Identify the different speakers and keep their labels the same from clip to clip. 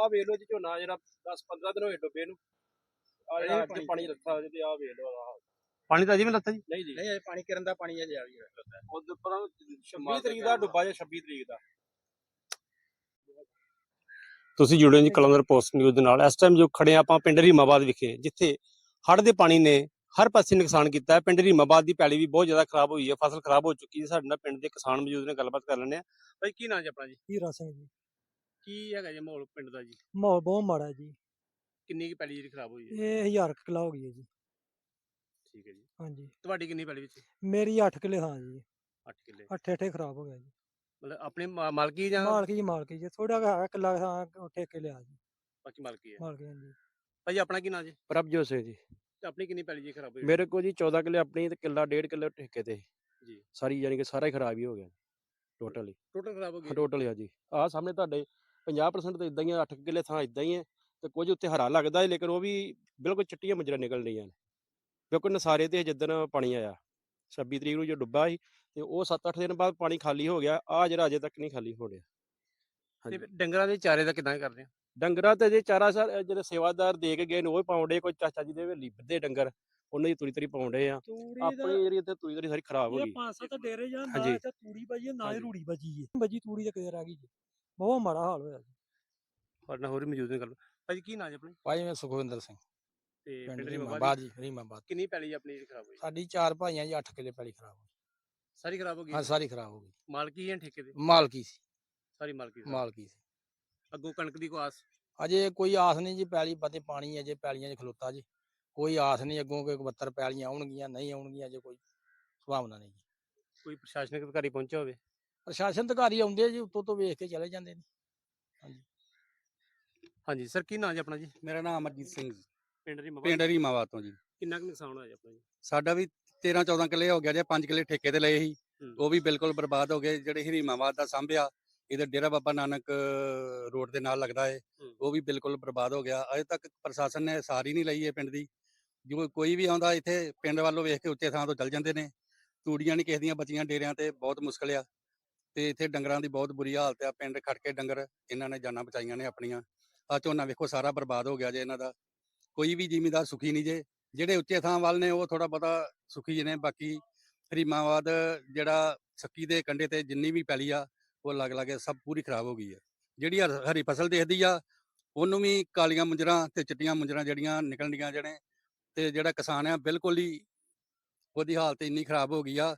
Speaker 1: ਆ ਵੇਖ ਲਓ ਜੀ ਝੋਨਾ ਜਿਹੜਾ 10-15 ਦਿਨ ਹੋਏ ਡੁੱਬੇ ਨੂੰ। ਆ ਜਿਹੜਾ ਅੱਜ ਪਾਣੀ ਰੱਖਾ ਹੋਇਆ ਤੇ ਆ ਵੇਖ ਲਓ ਆਹ
Speaker 2: ਪਾਣੀ ਤਾਂ ਅਜੇ ਵੀ ਲੱਥਾ ਜੀ?
Speaker 1: ਨਹੀਂ ਜੀ,
Speaker 3: ਨਹੀਂ ਅਜੇ ਪਾਣੀ ਕਿਰਨ ਦਾ ਪਾਣੀ ਅਜੇ ਆ ਵੀ
Speaker 1: ਉਹਦੇ ਪਰ 26 ਤਰੀਕ ਦਾ ਡੁੱਬਾ ਜਾਂ 26 ਤਰੀਕ ਦਾ।
Speaker 2: ਤੁਸੀਂ ਜੁੜੇ ਜੀ ਕਲੰਦਰ ਪੋਸਟ ਨਿਊਜ਼ ਦੇ ਨਾਲ। ਇਸ ਟਾਈਮ ਜੋ ਖੜੇ ਆਪਾਂ ਪਿੰਡ ਰੀਮਾਬਾਦ ਵਿਖੇ, ਜਿੱਥੇ ਹੜ੍ਹ ਦੇ ਪਾਣੀ ਨੇ ਹਰ ਪਾਸੇ ਨੁਕਸਾਨ ਕੀਤਾ ਹੈ। ਪਿੰਡ ਰੀਮਾਬਾਦ ਦੀ ਪੈਲੀ ਵੀ ਬਹੁਤ ਜ਼ਿਆਦਾ ਖਰਾਬ ਹੋਈ ਹੈ, ਫਸਲ ਖਰਾਬ ਹੋ ਚੁੱਕੀ ਹੈ। ਸਾਡੇ ਨਾਲ ਪਿੰਡ ਦੇ ਕਿਸਾਨ ਮੌਜੂਦ ਨੇ, ਗੱਲਬਾਤ ਕਰ ਲੈਂਦੇ ਆ। ਭਾਈ ਕੀ ਨਾਂ ਜੀ ਆਪਣਾ? ਜੀ
Speaker 4: ਹੀਰਾ ਸਿੰਘ ਜੀ।
Speaker 2: ਕੀ ਹੈਗਾ ਜੀ ਮਾਹੌਲ ਪਿੰਡ ਦਾ? ਜੀ
Speaker 4: ਮਾਹੌਲ ਬਹੁਤ ਮਾੜਾ ਜੀ।
Speaker 2: ਕਿੰਨੀ ਕੀ ਪੈਲੀ ਜਿਹੜੀ ਖਰਾਬ ਹੋਈ ਹੈ?
Speaker 4: ਇਹ 1000 ਕਿੱਲਾ ਹੋ ਗਈ ਹੈ ਜੀ।
Speaker 2: ਠੀਕ ਹੈ ਜੀ।
Speaker 4: ਹਾਂਜੀ,
Speaker 2: ਤੁਹਾਡੀ ਕਿੰਨੀ ਪੈਲੀ ਵਿੱਚ?
Speaker 4: ਮੇਰੀ 8 ਕਿੱਲੇ ਥਾਂ ਜੀ।
Speaker 2: 8 ਕਿੱਲੇ।
Speaker 4: ਅੱਠੇ ਖਰਾਬ ਹੋ ਗਿਆ ਜੀ।
Speaker 2: ਮਤਲਬ ਆਪਣੀ ਮਾਲਕੀ ਜਾਂ
Speaker 4: ਮਾਲਕੀ ਜੀ, ਥੋੜਾ ਜਿਹਾ ਕਿੱਲਾ ਥਾਂ ਠੇਕੇ ਲਿਆ ਜੀ।
Speaker 2: ਬਾਕੀ ਮਾਲਕੀ ਹੈ?
Speaker 4: ਮਾਲਕੀ ਹਾਂਜੀ।
Speaker 2: ਭਾਈ ਆਪਣਾ ਕੀ ਨਾਂ ਜੀ?
Speaker 3: ਪ੍ਰਭਜੋਤ ਸਿੰਘ ਜੀ।
Speaker 2: ਤੇ ਆਪਣੀ ਕਿੰਨੀ ਪੈਲੀ ਜੀ ਖਰਾਬ ਹੋਈ?
Speaker 3: ਮੇਰੇ ਕੋਲ ਜੀ 14 ਕਿੱਲੇ ਆਪਣੀ ਤੇ ਕਿੱਲਾ 1.5 ਕਿੱਲੇ ਠੇਕੇ ਤੇ
Speaker 2: ਜੀ।
Speaker 3: ਸਾਰੀ ਯਾਨੀ ਕਿ ਸਾਰਾ ਹੀ ਖਰਾਬ ਹੀ ਹੋ ਗਿਆ ਟੋਟਲੀ।
Speaker 2: ਟੋਟਲ ਖਰਾਬ ਹੋ ਗਈ?
Speaker 3: ਟੋਟਲ ਆ ਜੀ। ਆਹ ਸਾਹਮਣੇ ਤੁਹਾਡੇ 50% ਤਾਂ ਇਦਾਂ ਹੀ ਆ, 8 ਕਿੱਲੇ ਥਾਂ ਇਦਾਂ ਹੀ ਹੈ ਤੇ ਕੁਝ ਉੱਤੇ ਹਰਾ ਲੱਗਦਾ ਹੈ, ਲੇਕਿਨ ਉਹ ਵੀ ਬਿਲਕੁਲ ਚਿੱਟੀਆਂ ਮੁਜਰਾ ਨਿਕਲ ਰਹੀਆਂ ਨੇ, ਕਿਉਂਕਿ ਨਸਾਰੇ ਤੇ ਜਿੱਦਣ ਪਾਣੀ ਆਇਆ 26 ਤਰੀਕ ਨੂੰ ਜੋ ਡੁੱਬਾ ਸੀ ਤੇ ਉਹ 7-8 ਦਿਨ ਬਾਅਦ ਪਾਣੀ ਖਾਲੀ ਹੋ ਗਿਆ। ਆ ਜਿਹੜਾ ਅਜੇ ਤੱਕ ਨਹੀਂ ਖਾਲੀ ਹੋ ਰਿਹਾ।
Speaker 2: ਤੇ ਫਿਰ ਡੰਗਰਾਂ ਦੇ ਚਾਰੇ ਦਾ ਕਿੱਦਾਂ ਕਰਦੇ ਆ?
Speaker 3: ਡੰਗਰਾਂ ਤੇ ਜੇ ਚਾਰਾ ਸਰ ਜਿਹੜੇ ਸੇਵਾਦਾਰ ਦੇ ਕੇ ਗਏ ਨੇ ਉਹ ਪਾਉਂਦੇ, ਕੋਈ ਚਾਚਾ ਜੀ ਦੇ ਹਵੇਲੀ ਬੱਧੇ ਡੰਗਰ ਉਹਨਾਂ ਦੀ ਤੁਰੀ ਪਾਉਂਦੇ ਆ। ਆਪਣੀ ਜਿਹੜੀ ਇੱਥੇ ਤੁਰੀ ਸਾਰੀ ਖਰਾਬ ਹੋ ਗਈ।
Speaker 4: 5-7 ਡੇਰੇ ਜਾਂ
Speaker 3: ਹਾਂਜੀ।
Speaker 4: ਇੱਥੇ ਤੂੜੀ ਬਜੀ ਨਾ ਹੀ
Speaker 3: ਹਾਂਜੀ।
Speaker 4: ਰੂੜੀ ਬਜੀ ਹੈ। ਬਜੀ ਤੂੜੀ ਤੇ ਕਿਤੇ ਰਹਿ ਗਈ ਜੀ। ਬਹੁਤ ਮਾੜਾ ਹਾਲ ਹੋਇਆ ਜੀ।
Speaker 2: ਸਾਡੇ ਨਾਲ ਹੋਰ ਵੀ ਮੌਜੂਦ ਨੇ। ਗੱਲ ਭਾਜੀ ਕੀ ਨਾਂ ਜੀ ਆਪਣੀ?
Speaker 5: ਭਾਈ ਮੈਂ ਸੁਖਵਿੰਦਰ ਸਿੰਘ,
Speaker 2: ਤੇ
Speaker 5: ਪਿੰਡ
Speaker 2: ਪਿੰਡ
Speaker 5: ਰੀਮਾਬਾਦ
Speaker 2: ਰੀਮਾਬਾਦ
Speaker 5: ਜੀ। ਰੀਮਾਬਾਦ
Speaker 2: ਕਿੰਨੀ ਪੈਲੀ ਆਪਣੀ ਜਿਹੜੀ ਖਰਾਬ ਹੋਈ?
Speaker 5: ਸਾਡੀ 4 ਭਾਈਆਂ ਜੀ, 8 ਕਿੱਲੇ ਪੈਲੀ ਖਰਾਬ ਹੋਈ।
Speaker 2: ਸਾਰੀ ਖਰਾਬ ਹੋ ਗਈ?
Speaker 5: ਹਾਂ ਸਾਰੀ ਖਰਾਬ ਹੋ ਗਈ।
Speaker 2: ਮਾਲਕੀ ਜਾਂ ਠੇਕੇ ਦੇ?
Speaker 5: ਮਾਲਕੀ ਸੀ।
Speaker 2: ਸਾਰੀ ਮਾਲਕੀ ਸੀ।
Speaker 5: ਮਾਲਕੀ ਸੀ।
Speaker 2: ਅੱਗੋਂ ਕਣਕ ਦੀ ਕੋਈ ਆਸ?
Speaker 5: ਅਜੇ ਕੋਈ ਆਸ ਨਹੀਂ ਜੀ, ਪੈਲੀ ਪਤੇ ਪਾਣੀ ਅਜੇ ਪੈਲੀਆਂ 'ਚ ਖਲੋਤਾ ਜੀ। ਕੋਈ ਆਸ ਨਹੀਂ ਅੱਗੋਂ ਕਿ 72 ਪੈਲੀਆਂ ਆਉਣਗੀਆਂ, ਨਹੀਂ ਆਉਣਗੀਆਂ, ਅਜੇ ਕੋਈ ਸੰਭਾਵਨਾ ਨਹੀਂ ਜੀ।
Speaker 2: ਕੋਈ ਪ੍ਰਸ਼ਾਸਨਿਕ ਅਧਿਕਾਰੀ ਪਹੁੰਚਿਆ ਹੋਵੇ?
Speaker 5: ਪ੍ਰਸ਼ਾਸਨ ਅਧਿਕਾਰੀ ਆਉਂਦੇ ਆ ਜੀ, ਉੱਤੋਂ ਤੋਂ ਵੇਖ ਕੇ ਚਲੇ ਜਾਂਦੇ ਨੇ। ਹਾਂਜੀ।
Speaker 2: ਹਾਂਜੀ ਸਰ, ਕੀ ਨਾਂ ਜੀ ਆਪਣਾ? ਜੀ
Speaker 6: ਮੇਰਾ ਨਾਮ ਅਮਰਜੀਤ ਸਿੰਘ ਜੀ,
Speaker 2: ਪਿੰਡ ਰੀਮਾਬਾਦ।
Speaker 6: ਪਿੰਡ ਰੀਮਾਬਾਦ ਤੋਂ ਜੀ।
Speaker 2: ਕਿੰਨਾ ਕੁ ਨੁਕਸਾਨ ਹੋਇਆ ਜੀ ਆਪਣਾ? ਜੀ
Speaker 6: ਸਾਡਾ ਵੀ 13-14 ਕਿੱਲੇ ਹੋ ਗਿਆ ਜੇ, 5 ਕਿੱਲੇ ਠੇਕੇ ਤੇ ਲਏ ਸੀ, ਉਹ ਵੀ ਬਿਲਕੁਲ ਬਰਬਾਦ ਹੋ ਗਏ। ਜਿਹੜੇ ਰੀਮਾਬਾਦ ਦਾ ਸਾਂਭਿਆ, ਇਹਦੇ ਡੇਰਾ ਬਾਬਾ ਨਾਨਕ ਰੋਡ ਦੇ ਨਾਲ ਲੱਗਦਾ ਏ, ਉਹ ਵੀ ਬਿਲਕੁਲ ਬਰਬਾਦ ਹੋ ਗਿਆ। ਅਜੇ ਤੱਕ ਪ੍ਰਸ਼ਾਸਨ ਨੇ ਸਾਰੀ ਨਹੀਂ ਲਈ ਹੈ ਪਿੰਡ ਦੀ। ਜੋ ਕੋਈ ਵੀ ਆਉਂਦਾ ਇੱਥੇ ਪਿੰਡ ਵੱਲੋਂ ਵੇਖ ਕੇ ਉੱਚੇ ਥਾਂ ਤੋਂ ਚੱਲ ਜਾਂਦੇ ਨੇ। ਤੂੜੀਆਂ ਨਹੀਂ ਕਿਸੇ ਦੀਆਂ ਬਚੀਆਂ ਡੇਰਿਆਂ ਤੇ, ਬਹੁਤ ਮੁਸ਼ਕਲ ਆ। ਤੇ ਇੱਥੇ ਡੰਗਰਾਂ ਦੀ ਬਹੁਤ ਬੁਰੀ ਹਾਲਤ ਆ। ਪਿੰਡ ਖੜ ਕੇ ਡੰਗਰ ਇਹਨਾਂ ਨੇ ਜਾਨਾਂ ਬਚਾਈਆਂ ਨੇ ਆਪਣੀਆਂ। ਆ ਝੋਨਾ ਵੇਖੋ ਸਾਰਾ ਬਰਬਾਦ ਹੋ ਗਿਆ ਜੇ ਇਹਨਾਂ ਦਾ। ਕੋਈ ਵੀ ਜ਼ਿਮੀਂਦਾਰ ਸੁਖੀ ਨਹੀਂ ਜੇ। ਜਿਹੜੇ ਉੱਚੇ ਥਾਂ ਵੱਲ ਨੇ ਉਹ ਥੋੜਾ ਬਹੁਤਾ ਸੁਖੀ ਨੇ। ਬਾਕੀ ਰੀਮਾਬਾਦ ਜਿਹੜਾ ਸੱਕੀ ਦੇ ਕੰਢੇ ਤੇ ਜਿੰਨੀ ਵੀ ਪੈਲੀ ਆ ਉਹ ਲੱਗ ਸਭ ਪੂਰੀ ਖਰਾਬ ਹੋ ਗਈ ਹੈ। ਜਿਹੜੀ ਹਰੀ ਫਸਲ ਦੇਖਦੀ ਆ ਉਹਨੂੰ ਵੀ ਕਾਲੀਆਂ ਮੁੰਜਰਾਂ ਤੇ ਚਿੱਟੀਆਂ ਮੁੰਜਰਾਂ ਜਿਹੜੀਆਂ ਨਿਕਲਣ ਡੀਆਂ ਜਿਹੜੇ। ਤੇ ਜਿਹੜਾ ਕਿਸਾਨ ਆ ਬਿਲਕੁਲ ਹੀ ਉਹਦੀ ਹਾਲਤ ਇੰਨੀ ਖਰਾਬ ਹੋ ਗਈ ਆ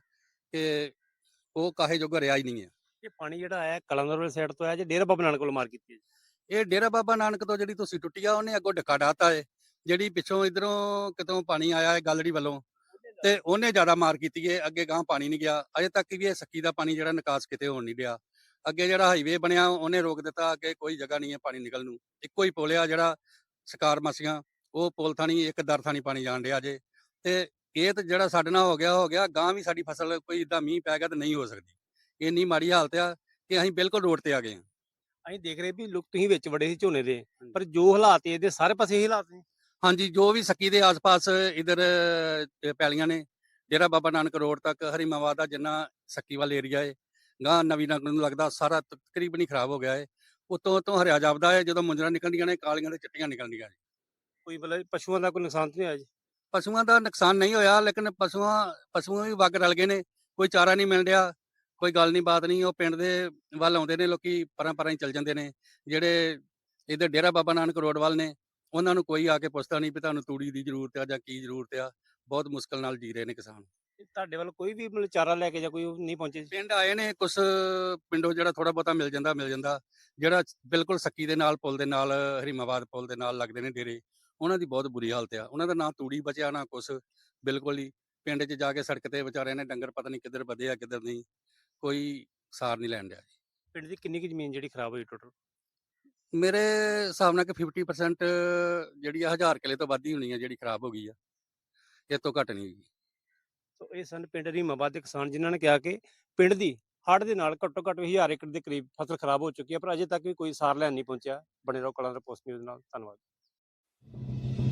Speaker 6: ਕਿ ਉਹ ਕਾਹੇ ਜੋਗਾ ਰਿਹਾ ਹੀ ਨਹੀਂ ਹੈ।
Speaker 2: ਇਹ ਪਾਣੀ ਜਿਹੜਾ ਆਇਆ ਕਲੰਦਰ ਵਾਲੀ ਸਾਈਡ ਤੋਂ ਆਇਆ ਜੇ ਡੇਰਾ ਬਾਬਾ ਨਾਨਕ ਕੋਲ ਮਾਰ ਕੀਤੀ ਹੈ?
Speaker 6: ਇਹ ਡੇਰਾ ਬਾਬਾ ਨਾਨਕ ਤੋਂ ਜਿਹੜੀ ਤੁਸੀਂ ਟੁੱਟੀ ਆ ਉਹਨੇ ਅੱਗੋਂ ਡੱਕਾ ਡਾਤਾ ਏ। ਜਿਹੜੀ ਪਿੱਛੋਂ ਇਧਰੋਂ ਕਿਤੋਂ ਪਾਣੀ ਆਇਆ ਹੈ ਗਲੜੀ ਵੱਲੋਂ ਤੇ ਉਹਨੇ ਜ਼ਿਆਦਾ ਮਾਰ ਕੀਤੀ ਏ। ਅੱਗੇ ਗਾਂ ਪਾਣੀ ਨਹੀਂ ਗਿਆ। ਅਜੇ ਤੱਕ ਵੀ ਇਹ ਸੱਕੀ ਦਾ ਪਾਣੀ ਜਿਹੜਾ ਨਿਕਾਸ ਕਿਤੇ ਹੋਣ ਨਹੀਂ ਡਿਆ। ਅੱਗੇ ਜਿਹੜਾ ਹਾਈਵੇ ਬਣਿਆ ਉਹਨੇ ਰੋਕ ਦਿੱਤਾ। ਅੱਗੇ ਕੋਈ ਜਗ੍ਹਾ ਨਹੀਂ ਹੈ ਪਾਣੀ ਨਿਕਲਣ ਨੂੰ। ਇੱਕੋ ਹੀ ਪੁਲ ਆ ਜਿਹੜਾ ਸ਼ਿਕਾਰ ਮਸੀਆਂ, ਉਹ ਪੁਲ ਥਾਣੀ ਇੱਕ ਦਰ ਥਾਣੀ ਪਾਣੀ ਜਾਣ ਡਿਆ ਜੇ। ਤੇ ਇਹ ਤਾਂ ਜਿਹੜਾ ਸਾਡੇ ਨਾਲ ਹੋ ਗਿਆ। ਗਾਂ ਵੀ ਸਾਡੀ ਫਸਲ ਕੋਈ ਇਦਾਂ ਮੀਂਹ ਪੈ ਗਿਆ ਤਾਂ ਨਹੀਂ ਹੋ ਸਕਦੀ। ਇੰਨੀ ਮਾੜੀ ਹਾਲਤ ਆ ਕਿ ਅਸੀਂ ਬਿਲਕੁਲ ਰੋਡ ਤੇ ਆ ਗਏ ਹਾਂ।
Speaker 2: ਅਸੀਂ ਦੇਖ ਰਹੇ ਵੀ ਲੋਕ ਤੁਸੀਂ ਵਿੱਚ ਵੜੇ ਸੀ ਝੋਨੇ ਦੇ, ਪਰ ਜੋ ਹਾਲਾਤ ਇਹਦੇ ਸਾਰੇ ਪਾਸੇ ਇਹੀ ਹਾਲਾਤ ਨੇ।
Speaker 6: ਹਾਂਜੀ, ਜੋ ਵੀ ਸੱਕੀ ਦੇ ਆਸ-ਪਾਸ ਇਧਰ ਪੈਲੀਆਂ ਨੇ, ਡੇਰਾ ਬਾਬਾ ਨਾਨਕ ਰੋਡ ਤੱਕ ਹਰੀਮਾਬਾਦ ਦਾ ਜਿੰਨਾ ਸੱਕੀ ਵਾਲਾ ਏਰੀਆ ਏ, ਗਾਂ ਨਵੀਂ ਨਗਰ ਨੂੰ ਲੱਗਦਾ ਸਾਰਾ ਤਕਰੀਬਨ ਹੀ ਖਰਾਬ ਹੋ ਗਿਆ ਏ। ਉਤੋਂ ਹਰਿਆ ਜਾਪਦਾ ਹੈ। ਜਦੋਂ ਮੁੰਜਰਾਂ ਨਿਕਲਦੀਆਂ ਨੇ ਕਾਲੀਆਂ ਤੇ ਚਿੱਟੀਆਂ ਨਿਕਲਦੀਆਂ ਨੇ।
Speaker 2: ਕੋਈ ਮਤਲਬ ਪਸ਼ੂਆਂ ਦਾ ਕੋਈ ਨੁਕਸਾਨ ਤਾਂ ਨਹੀਂ ਹੋਇਆ ਜੀ?
Speaker 6: ਪਸ਼ੂਆਂ ਦਾ ਨੁਕਸਾਨ ਨਹੀਂ ਹੋਇਆ, ਲੇਕਿਨ ਪਸ਼ੂਆਂ ਵੀ ਵਗ ਰਲ ਗਏ ਨੇ। ਕੋਈ ਚਾਰਾ ਨਹੀਂ ਮਿਲ ਰਿਹਾ, ਕੋਈ ਗੱਲ ਨਹੀਂ ਬਾਤ ਨਹੀਂ। ਉਹ ਪਿੰਡ ਦੇ ਵੱਲ ਆਉਂਦੇ ਨੇ ਲੋਕੀ, ਪਰਾਂ ਹੀ ਚੱਲ ਜਾਂਦੇ ਨੇ। ਜਿਹੜੇ ਇੱਧਰ ਡੇਰਾ ਬਾਬਾ ਨਾਨਕ ਰੋਡ ਵੱਲ ਨੇ ਉਹਨਾਂ ਨੂੰ ਕੋਈ ਆ ਕੇ ਪੁੱਛਦਾ ਨਹੀਂ ਵੀ ਤੁਹਾਨੂੰ ਤੂੜੀ ਦੀ ਜ਼ਰੂਰਤ ਆ ਜਾਂ ਕੀ ਜ਼ਰੂਰਤ ਆ। ਬਹੁਤ ਮੁਸ਼ਕਲ ਨਾਲ ਜੀ ਰਹੇ ਨੇ ਕਿਸਾਨ।
Speaker 2: ਤੁਹਾਡੇ ਵੱਲ ਕੋਈ ਵੀ ਮਤਲਬ ਚਾਰਾ ਲੈ ਕੇ ਜਾਂ ਕੋਈ ਨਹੀਂ ਪਹੁੰਚੇ?
Speaker 6: ਪਿੰਡ ਆਏ ਨੇ ਕੁਛ ਪਿੰਡੋਂ, ਜਿਹੜਾ ਥੋੜਾ ਬਹੁਤਾ ਮਿਲ ਜਾਂਦਾ। ਜਿਹੜਾ ਬਿਲਕੁਲ ਸੱਕੀ ਦੇ ਨਾਲ ਪੁਲ ਦੇ ਨਾਲ, ਹਰੀਮਾਬਾਦ ਪੁਲ ਦੇ ਨਾਲ ਲੱਗਦੇ ਨੇ ਡੇਰੇ, ਉਹਨਾਂ ਦੀ ਬਹੁਤ ਬੁਰੀ ਹਾਲਤ ਆ। ਉਹਨਾਂ ਦਾ ਨਾ ਤੂੜੀ ਬਚਿਆ ਨਾ ਕੁਛ। ਬਿਲਕੁਲ ਹੀ ਪਿੰਡ 'ਚ ਜਾ ਕੇ ਸੜਕ ਤੇ ਵਿਚਾਰਿਆਂ ਨੇ ਡੰਗਰ ਪਤਾ ਨਹੀਂ ਕਿੱਧਰ ਵਧੇ ਆ ਕਿੱਧਰ ਨਹੀਂ, ਕੋਈ ਸਾਰ ਨਹੀਂ ਲੈਣ ਡਿਆ।
Speaker 2: ਪਿੰਡ ਦੀ ਕਿੰਨੀ ਕੁ ਜ਼ਮੀਨ ਜਿਹੜੀ ਖਰਾਬ ਹੋਈ ਟੋਟਲ?
Speaker 6: ਮੇਰੇ ਹਿਸਾਬ ਨਾਲ ਕਿ 50% ਜਿਹੜੀ ਆ 1000 ਕਿੱਲੇ ਤੋਂ ਵੱਧ ਹੀ ਹੋਣੀ ਆ ਜਿਹੜੀ ਖਰਾਬ ਹੋ ਗਈ ਆ। ਇਹ ਤੋਂ ਘੱਟ ਨਹੀਂ ਹੋਈ।
Speaker 2: ਸੋ ਇਹ ਸਨ ਪਿੰਡ ਰੀਮਾਬਾਦ ਦੇ ਕਿਸਾਨ, ਜਿਨ੍ਹਾਂ ਨੇ ਕਿਹਾ ਕਿ ਪਿੰਡ ਦੀ ਹੜ੍ਹ ਦੇ ਨਾਲ ਘੱਟੋ ਘੱਟ 1000 ਏਕੜ ਦੇ ਕਰੀਬ ਫਸਲ ਖਰਾਬ ਹੋ ਚੁੱਕੀ ਹੈ, ਪਰ ਅਜੇ ਤੱਕ ਵੀ ਕੋਈ ਸਾਰ ਲੈਣ ਨਹੀਂ ਪਹੁੰਚਿਆ। ਬਣੇ ਰਹੋ ਕਲੰਦਰ ਪੋਸਟ ਨਿਊਜ਼ ਨਾਲ। ਧੰਨਵਾਦ।